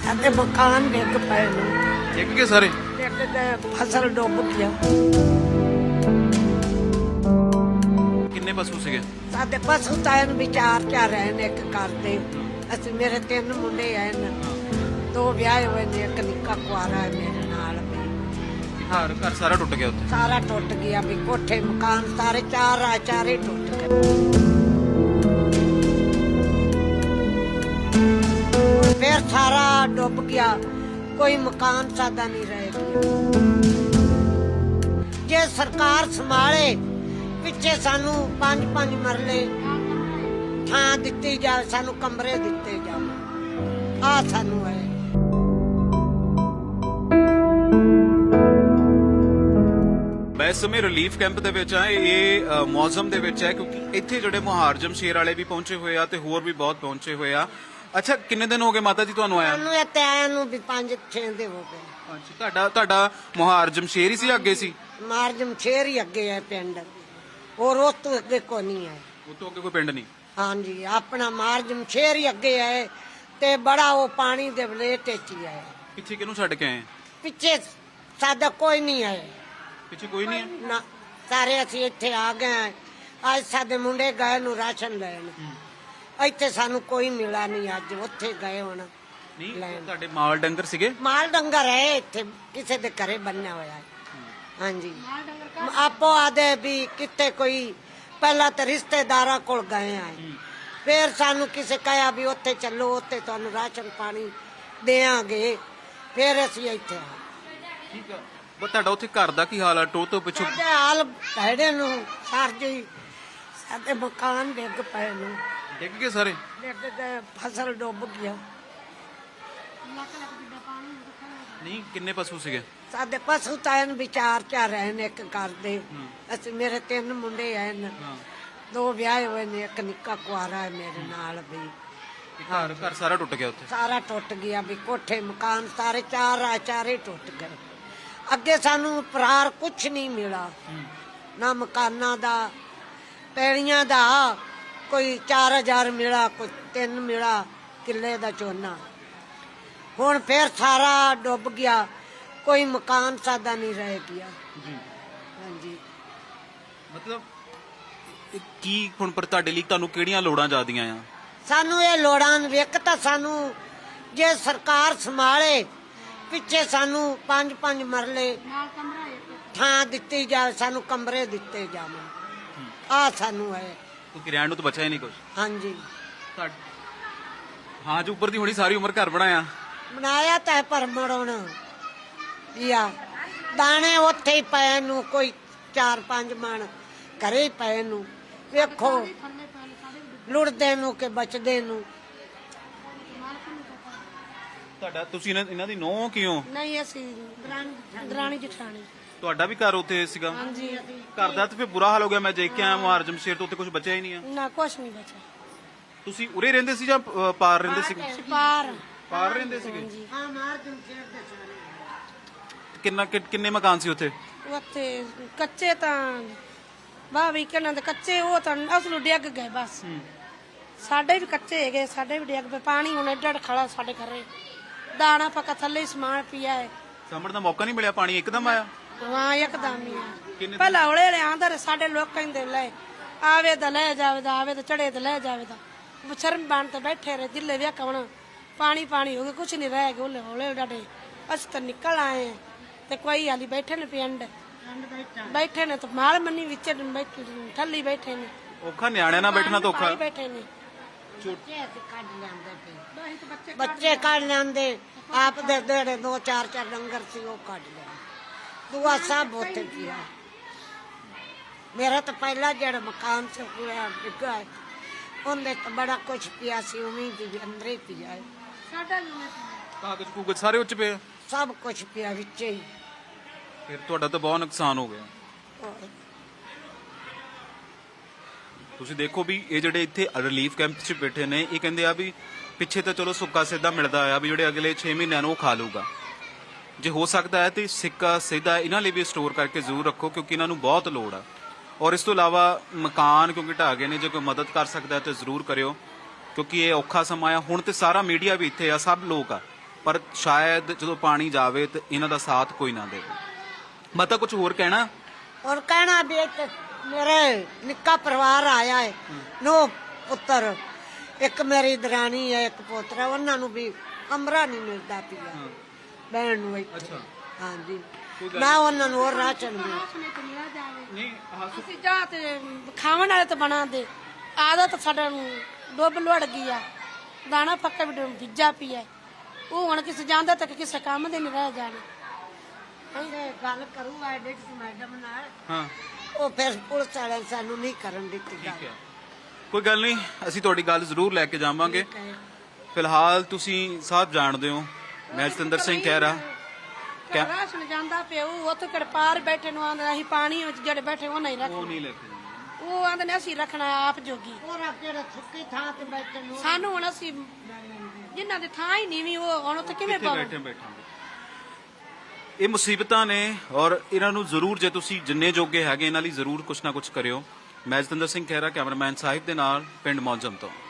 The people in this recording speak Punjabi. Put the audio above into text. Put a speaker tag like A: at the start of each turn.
A: ਅਤੇ ਮਕਾਨ ਡਿੱਗ ਪਏ ਨੇ।
B: ਡਿੱਗ ਗਏ ਸਾਰੇ?
A: ਡਿੱਗ ਗਏ, ਫਸਲ ਡੁੱਬ ਗਿਆ।
B: ਕਿੰਨੇ ਪਸ਼ੂ ਸੀਗੇ?
A: ਸਾਡੇ ਪਸ਼ੂ ਤਾਂ ਇਹਨ ਵਿਚਾਰ ਚਾ ਰਹੇ ਨੇ ਇੱਕ ਕਰਦੇ। ਅਸੀਂ ਮੇਰੇ 3 ਮੁੰਡੇ ਆਏ ਨੇ, 2 ਵਿਆਹੇ ਹੋਏ ਨੇ, ਇੱਕ ਨਿੱਕਾ ਕੁਆਰਾ ਹੈ ਮੇਰੇ ਨਾਲ ਵੀ।
B: ਘਰ ਸਾਰਾ ਟੁੱਟ ਗਿਆ ਉੱਥੇ?
A: ਸਾਰਾ ਟੁੱਟ ਗਿਆ ਵੀ, ਕੋਠੇ ਮਕਾਨ ਸਾਰੇ ਚਾਰੇ ਟੁੱਟ ਗਏ। ਫਿਰ ਸਾਰਾ ਡੁੱਬ ਗਿਆ, ਕੋਈ ਮਕਾਨ ਸਾਦਾ ਨਹੀਂ ਰਹਿ ਗਿਆ। ਜੇ ਸਰਕਾਰ ਸੰਭਾਲੇ, ਪਿੱਛੇ ਸਾਨੂੰ 5 ਮਰਲੇ ਥਾਂ ਦਿੱਤੀ ਜਾਵੇ, ਸਾਨੂੰ ਕਮਰੇ ਦਿੱਤੇ ਜਾਵੇ, ਆ ਸਾਨੂੰ ਹੈ।
B: ਮੈਂ ਇਸ ਸਮੇਂ ਰਿਲੀਫ ਕੈਂਪ ਦੇ ਵਿੱਚ ਆ। ਇਹ ਮੌਸਮ ਦੇ ਵਿੱਚ ਹੈ ਕਿਉਂਕਿ ਇੱਥੇ ਜਿਹੜੇ ਮੁਹਾਰਜਮ ਸ਼ੇਰ ਵਾਲੇ ਵੀ ਪਹੁੰਚੇ ਹੋਏ ਆ ਤੇ ਹੋਰ ਵੀ ਬਹੁਤ ਪਹੁੰਚੇ ਹੋਏ ਆ। ਅੱਛਾ, ਕਿੰਨੇ ਦਿਨ ਹੋ ਗਏ ਮਾਤਾ ਜੀ ਤੁਹਾਨੂੰ ਆਇਆ?
A: ਸਾਨੂੰ ਇੱਥੇ ਆਇਆ ਨੂੰ ਵੀ 5-6 ਦੇ ਹੋ ਗਏ।
B: ਅੱਛਾ, ਤੁਹਾਡਾ ਮੁਹਾਰਜਮ ਸ਼ੇਰ ਹੀ ਸੀ ਅੱਗੇ ਸੀ?
A: ਮਾਰਜਮ ਸ਼ੇਰ ਹੀ ਅੱਗੇ ਹੈ ਪਿੰਡ, ਹੋਰ ਉਸ ਤੋਂ ਅੱਗੇ ਕੋਈ ਨਹੀਂ ਹੈ।
B: ਉਹ ਤੋਂ ਅੱਗੇ ਕੋਈ ਪਿੰਡ ਨਹੀਂ?
A: ਹਾਂਜੀ, ਆਪਣਾ ਮਾਰਜਮ ਸ਼ੇਰ ਹੀ ਅੱਗੇ ਹੈ ਤੇ ਬੜਾ ਉਹ ਪਾਣੀ ਦੇ ਵਲੇਟ ਚ ਹੀ ਹੈ।
B: ਪਿੱਛੇ ਕਿਹਨੂੰ ਛੱਡ ਕੇ ਆਏ?
A: ਪਿੱਛੇ ਸਾਡਾ ਕੋਈ ਨਹੀਂ ਹੈ
B: ਪਿੱਛੇ ਕੋਈ ਨਹੀਂ ਹੈ
A: ਨਾ, ਸਾਰੇ ਅਸੀਂ ਇੱਥੇ ਆ ਗਏ ਹਾਂ। ਅੱਜ ਸਾਡੇ ਮੁੰਡੇ ਗਏ ਨੂੰ ਰਾਸ਼ਨ ਲੈਣ, ਇੱਥੇ ਸਾਨੂੰ ਕੋਈ ਮਿਲਾ ਨਹੀਂ। ਅੱਜ ਉੱਥੇ ਗਏ ਹੁਣ
B: ਨਹੀਂ?
A: ਲੈਣ।
B: ਤੁਹਾਡੇ ਮਾਲ ਡੰਗਰ ਸੀਗੇ?
A: ਮਾਲ ਡੰਗਰ ਹੈ ਇੱਥੇ, ਕਿਸੇ ਦੇ ਘਰੇ ਬੰਨਿਆ ਹੋਇਆ ਹੈ। ਹਾਂਜੀ, ਆਪੋ ਆਦੇ ਵੀ ਕਿਤੇ ਕੋਈ ਪਹਿਲਾਂ ਤਾਂ ਰਿਸ਼ਤੇਦਾਰਾਂ ਕੋਲ ਗਏ ਆ, ਫਿਰ ਸਾਨੂੰ ਕਿਸੇ ਕਹਿਆ ਵੀ ਉੱਥੇ ਚੱਲੋ, ਉੱਥੇ ਤੁਹਾਨੂੰ ਰਾਸ਼ਨ ਪਾਣੀ ਦੇਾਂਗੇ, ਫਿਰ ਅਸੀਂ ਇੱਥੇ ਆ।
B: ਠੀਕ ਆ। ਬਸ ਤੁਹਾਡਾ ਉੱਥੇ ਘਰ ਦਾ ਕੀ ਹਾਲ ਆ? ਟੋ ਤੋਂ ਪਿੱਛੋਂ
A: ਸਾਡੇ ਹਾਲ ਭੈੜੇ ਨੂੰ ਸਰ ਜੀ, ਸਾਡੇ ਮਕਾਨ ਡਿੱਗ ਪਏ ਨੇ।
B: ਡਿੱਗ ਗਏ ਸਾਰੇ?
A: ਡਿੱਗ ਗਏ, ਫਸਲ ਡੁੱਬ ਗਿਆ।
B: ਨਹੀਂ, ਕਿੰਨੇ ਪਸ਼ੂ ਸੀਗੇ?
A: ਸਾਡੇ ਪਸ਼ੂ ਤਾਂ ਇਹਨ ਵਿਚਾਰ ਚਾ ਰਹੇ ਨੇ ਇੱਕ ਕਰਦੇ। ਅਸੀਂ ਮੇਰੇ 3 ਮੁੰਡੇ ਆਏ ਨੇ, 2 ਵਿਆਹੇ ਹੋਏ ਨੇ, ਇੱਕ ਨਿੱਕਾ ਕੁਆਰਾ ਹੈ ਮੇਰੇ ਨਾਲ ਵੀ।
B: ਘਰ ਸਾਰਾ ਟੁੱਟ ਗਿਆ ਉੱਥੇ?
A: ਸਾਰਾ ਟੁੱਟ ਗਿਆ ਵੀ, ਕੋਠੇ ਮਕਾਨ ਸਾਰੇ ਚਾਰੇ ਟੁੱਟ ਗਏ। ਅੱਗੇ ਸਾਨੂੰ ਪਰਾਰ ਕੁਛ ਨਹੀਂ ਮਿਲਾ, ਨਾ ਮਕਾਨਾਂ ਦਾ, ਪੈੜੀਆਂ ਦਾ। ਕੋਈ 4000 ਮਿਲਾ, ਕੋਈ 3 ਮਿਲਾ ਕਿੱਲੇ ਦਾ ਝੋਨਾ। ਹੁਣ ਫਿਰ ਸਾਰਾ ਡੁੱਬ ਗਿਆ, ਕੋਈ ਮਕਾਨ ਸਾਦਾ ਨਹੀਂ ਰਹਿ ਗਿਆ। ਹਾਂਜੀ,
B: ਮਤਲਬ ਕੀ ਹੁਣ ਪਰ ਤੁਹਾਡੇ ਲਈ ਤੁਹਾਨੂੰ ਕਿਹੜੀਆਂ ਲੋੜਾਂ ਜ਼ਿਆਦੀਆਂ ਆ?
A: ਸਾਨੂੰ ਇਹ ਲੋੜਾਂ ਵੇਖ ਤਾਂ ਸਾਨੂੰ ਜੇ ਸਰਕਾਰ ਸੰਭਾਲੇ, ਪਿੱਛੇ ਸਾਨੂੰ 5 ਮਰਲੇ ਥਾਂ ਦਿੱਤੀ ਜਾਵੇ, ਸਾਨੂੰ ਕਮਰੇ ਦਿੱਤੇ ਜਾਵੇ, ਆ ਸਾਨੂੰ ਹੈ।
B: ਕਿਉਂਕਿ ਰਹਿਣ ਨੂੰ ਤਾਂ ਬਚਿਆ ਹੀ ਨਹੀਂ ਕੁਝ।
A: ਹਾਂਜੀ,
B: ਹਾਂ, ਜੋ ਉੱਪਰ ਦੀ ਹੋਣੀ ਸਾਰੀ ਉਮਰ ਘਰ ਬਣਾਇਆ
A: ਬਣਾਇਆ ਤਾਂ ਪਰ ਮੜਾਉਣਾ ਯਾ ਦਾਣੇ ਉੱਥੇ ਹੀ ਪਏ ਨੂੰ, ਕੋਈ 4-5 ਮਣ ਘਰੇ ਹੀ ਪਏ ਨੂੰ। ਵੇਖੋ ਲੁੜਦੇ ਨੂੰ ਕਿ ਬਚਦੇ ਨੂੰ।
B: ਤੁਹਾਡਾ ਤੁਸੀਂ ਇਹਨਾਂ ਦੀ ਨੌਂ ਕਿਉਂ?
A: ਨਹੀਂ, ਅਸੀਂ ਦਰਾਣੀ ਜਠਾਣੀ।
B: ਤੁਹਾਡਾ ਵੀ ਘਰ ਉੱਥੇ ਸੀਗਾ?
A: ਹਾਂਜੀ,
B: ਘਰ ਦਾ ਤਾਂ ਫਿਰ ਬੁਰਾ ਹਾਲ ਹੋ ਗਿਆ। ਮੈਂ ਦੇਖ ਕੇ ਆਇਆ ਮੁਹਾਰਜਮ ਸ਼ੇਰ ਤੋਂ, ਉੱਥੇ ਕੁਝ ਬਚਿਆ ਹੀ ਨਹੀਂ ਆ।
A: ਨਾ ਕੁਛ ਨਹੀਂ ਬਚਿਆ।
B: ਤੁਸੀਂ ਉਰੇ ਰਹਿੰਦੇ ਸੀ ਜਾਂ ਪਾਰ ਰਹਿੰਦੇ ਸੀਗੇ? ਪਾਰ ਰਹਿੰਦੇ ਸੀਗੇ?
A: ਹਾਂ, ਮਾਰਜਮ ਸ਼ੇਰ ਦੇ ਸਾਰੇ।
B: ਕਿੰਨੇ ਮਕਾਨ ਸੀ ਉੱਥੇ?
C: ਉੱਥੇ ਕੱਚੇ ਤਾਂ ਬਾਵੀ ਕਿਹਨਾਂ ਦੇ ਕੱਚੇ, ਉਹ ਤਾਂ ਅਸਲ ਡਿੱਗ ਗਏ ਬਸ। ਸਾਡੇ ਵੀ ਕੱਚੇ ਹੈਗੇ, ਸਾਡੇ ਵੀ ਡਿੱਗ ਪਏ। ਪਾਣੀ ਹੁਣ ਏਡਾ ਖੜਾ ਸਾਡੇ ਘਰੇ, ਦਾਣਾ ਪੱਕਾ ਥੱਲੇ ਸਮਾਨ ਪਿਆ ਹੈ।
B: ਸਾਹਮਣ ਦਾ ਮੌਕਾ ਨਹੀਂ ਮਿਲਿਆ? ਪਾਣੀ ਇੱਕਦਮ ਆਇਆ?
C: ਹਾਂ, ਇੱਕਦਮ ਹੀ ਆ। ਪਹਿਲਾਂ ਹੌਲੇ ਆਂਦਾ ਸਾਡੇ ਲੋਕ ਕਹਿੰਦੇ ਲੈ ਆਵੇ ਤਾਂ ਲੈ ਜਾਵੇ ਦਾ, ਆਵੇ ਤਾਂ ਚੜੇ ਤਾਂ ਲੈ ਜਾਵੇ ਦਾ। ਸ਼ਰਮ ਬਣ ਤੇ ਬੈਠੇ ਰਹੇ, ਦਿੱਲੇ ਵੇ ਕਵਣ ਪਾਣੀ ਹੋ ਗਿਆ, ਕੁਛ ਨਹੀਂ ਰਹਿ ਗਿਆ। ਹੌਲੇ ਹੌਲੇ ਡਾਡੇ ਅਸੀਂ ਤਾਂ ਨਿਕਲ ਆਏ ਤੇ ਕੋਈ ਹਾਲੀ ਬੈਠੇ ਨੇ ਪਿੰਡ ਬੈਠੇ ਨੇ, ਤੇ ਮਾਲ ਮੰਨੀ ਵਿੱਚ ਥੱਲੀ ਬੈਠੇ ਨੇ।
B: ਔਖਾ ਨਿਆਣਿਆਂ ਨਾਲ ਬੈਠਣਾ ਤਾਂ ਔਖਾ।
C: ਬੈਠੇ ਨੇ
A: ਬੱਚੇ ਕੱਢ ਲੈਂਦੇ, ਆਪ ਦੇ ਜਿਹੜੇ 2-4 ਡੰਗਰ ਸੀ ਉਹ ਕੱਢ ਲਿਆ। ਦੁਆ ਸਭ ਉੱਥੇ ਪਿਆ। ਮੇਰਾ ਤਾਂ ਪਹਿਲਾ ਜਿਹੜਾ ਮਕਾਨ ਸੀ ਹੋਇਆ ਡਿੱਗਾ, ਉਹਦੇ ਤਾਂ ਬੜਾ ਕੁਛ ਪਿਆ ਸੀ, ਉਵੇਂ ਵੀ ਅੰਦਰੇ ਪਿਆ ਹੈ।
B: ਕਾਗਜ਼ ਕੂਗਜ਼ ਸਾਰੇ ਉੱਚ ਪਏ?
A: ਸਭ ਕੁਛ ਪਿਆ ਵਿੱਚ ਹੀ।
B: ਫਿਰ ਤੁਹਾਡਾ ਤਾਂ ਬਹੁਤ ਨੁਕਸਾਨ ਹੋ ਗਿਆ। ਤੁਸੀਂ ਦੇਖੋ ਵੀ ਇਹ ਜਿਹੜੇ ਇੱਥੇ ਰਿਲੀਫ ਕੈਂਪ 'ਚ ਬੈਠੇ ਨੇ, ਇਹ ਕਹਿੰਦੇ ਆ ਵੀ ਪਿੱਛੇ ਤਾਂ ਚਲੋ ਸੁੱਕਾ ਸਿੱਧਾ ਮਿਲਦਾ ਆ ਵੀ ਜਿਹੜੇ ਅਗਲੇ 6 ਮਹੀਨਿਆਂ ਨੂੰ ਉਹ ਖਾ ਲੂਗਾ। ਜੇ ਹੋ ਸਕਦਾ ਹੈ ਤੇ ਸਿੱਕਾ ਸਿੱਧਾ ਇਹਨਾਂ ਲਈ ਵੀ ਸਟੋਰ ਕਰਕੇ ਜ਼ਰੂਰ ਰੱਖੋ, ਕਿਉਂਕਿ ਇਹਨਾਂ ਨੂੰ ਬਹੁਤ ਲੋੜ ਆ। ਔਰ ਇਸ ਤੋਂ ਇਲਾਵਾ ਮਕਾਨ ਕਿਉਂਕਿ ਢਾਹ ਗਏ ਨੇ, ਜੇ ਕੋਈ ਮਦਦ ਕਰ ਸਕਦਾ ਤਾਂ ਜ਼ਰੂਰ ਕਰਿਓ, ਕਿਉਂਕਿ ਇਹ ਔਖਾ ਸਮਾਂ ਆ। ਹੁਣ ਤੇ ਸਾਰਾ ਮੀਡੀਆ ਵੀ ਇੱਥੇ ਆ, ਸਭ ਲੋਕ ਆ, ਪਰ ਸ਼ਾਇਦ ਜਦੋਂ ਪਾਣੀ ਜਾਵੇ ਤੇ ਇਹਨਾਂ ਦਾ ਸਾਥ ਕੋਈ ਨਾ ਦੇਵੇ। ਮੈਂ ਤਾਂ ਕੁਝ ਹੋਰ ਕਹਿਣਾ
A: ਔਰ ਕਹਿਣਾ ਵੀ ਇੱਕ ਮੇਰੇ ਨਿੱਕਾ ਪਰਿਵਾਰ ਆਇਆ ਹੈ, 9 ਪੁੱਤਰ, ਇੱਕ ਮੇਰੀ ਦਰਾਣੀ ਹੈ, ਇੱਕ ਪੋਤਰਾ, ਉਹਨਾਂ ਨੂੰ ਵੀ ਕਮਰਾ ਨਹੀਂ ਮਿਲਦਾ ਪਿਆ ਬਹਿਣ ਨੂੰ ਇੱਥੇ।
B: ਅੱਛਾ।
A: ਹਾਂਜੀ, ਨਾ ਉਹਨਾਂ ਨੂੰ ਹੋਰ ਰਾਸ਼ਨ ਮਿਲ।
B: ਨਹੀਂ
C: ਅਸੀਂ ਜਾ ਤੇ ਖਾਵਣ ਵਾਲੇ ਤਾਂ ਬਣਾ ਦੇ, ਆਦਤ ਸਾਡਾ ਨੂੰ ਡੁੱਬ ਲੁੜ ਗਈ ਆ, ਦਾਣਾ ਪੱਕਾ ਵੀ ਭਿੱਜਾ ਪਿਆ। ਉਹ ਹੁਣ ਕਿਸੇ ਜਾਂਦਾ ਤਾਂ ਕਿਸੇ ਕੰਮ ਦੇ ਨਹੀਂ ਰਹਿ ਜਾਣਾ।
A: ਇਹ ਗੱਲ ਕਰੂਗਾ ਡਿਪਟੀ ਮੈਡਮ ਨਾਲ,
B: ਹਾਂ
A: ਉਹ ਫਿਰ ਪੁਲਿਸ ਵਾਲਿਆਂ ਸਾਨੂੰ ਨਹੀਂ ਕਰਨ ਦਿੱਤੀ
B: ਠੀਕ
A: ਗੱਲ।
B: ਹੈ, ਕੋਈ ਗੱਲ ਨਹੀਂ, ਅਸੀਂ ਤੁਹਾਡੀ ਗੱਲ ਜ਼ਰੂਰ ਲੈ ਕੇ ਜਾਵਾਂਗੇ। ਫਿਲਹਾਲ ਤੁਸੀਂ ਸਭ ਜਾਣਦੇ ਹੋ, ਮੈਂ ਜਤਿੰਦਰ ਸਿੰਘ ਖਹਿਰਾ।
C: ਰਾਸ਼ਨ ਜਾਂਦਾ ਪਿਆ, ਉਹ ਉੱਥੇ ਕਿਹੜੇ ਪਾਰ ਬੈਠੇ ਨੂੰ ਆਂਦੇ ਅਸੀਂ ਪਾਣੀ ਵਿੱਚ ਜਿਹੜੇ ਬੈਠੇ ਉਹ ਨਹੀਂ
B: ਉਹ
C: ਰੱਖਣਾ,
B: ਨਹੀਂ ਲੈ ਕੇ ਜਾਣਾ।
C: ਉਹ ਆਂਦੇ ਨੇ ਅਸੀਂ ਰੱਖਣਾ ਆਪ ਜੋਗੀ।
A: ਹੋਰ ਕਿਹੜਾ ਸੁੱਕੀ ਥਾਂ ਤੇ ਬੈਠੇ ਨੂੰ
C: ਸਾਨੂੰ ਹੁਣ ਅਸੀਂ ਜਿਨ੍ਹਾਂ ਦੀ ਥਾਂ ਹੀ ਨਹੀਂ ਵੀ ਉਹ ਹੁਣ ਉੱਥੇ ਕਿਵੇਂ
B: ਕਿੱਥੇ
C: ਪਾਵਾਂ।
B: ਬੈਠਾਂਗੇ। ਇਹ ਮੁਸੀਬਤਾਂ ਨੇ ਔਰ ਇਹਨਾਂ ਨੂੰ ਜ਼ਰੂਰ, ਜੇ ਤੁਸੀਂ ਜਿੰਨੇ ਜੋਗੇ ਹੈਗੇ ਇਹਨਾਂ ਲਈ ਜ਼ਰੂਰ ਕੁਛ ਨਾ ਕੁਛ ਕਰਿਓ। ਮੈਂ ਜਤਿੰਦਰ ਸਿੰਘ ਖਹਿਰਾ, ਕੈਮਰਾਮੈਨ ਸਾਹਿਬ ਦੇ ਨਾਲ, ਪਿੰਡ ਮੌਜਮ ਤੋਂ।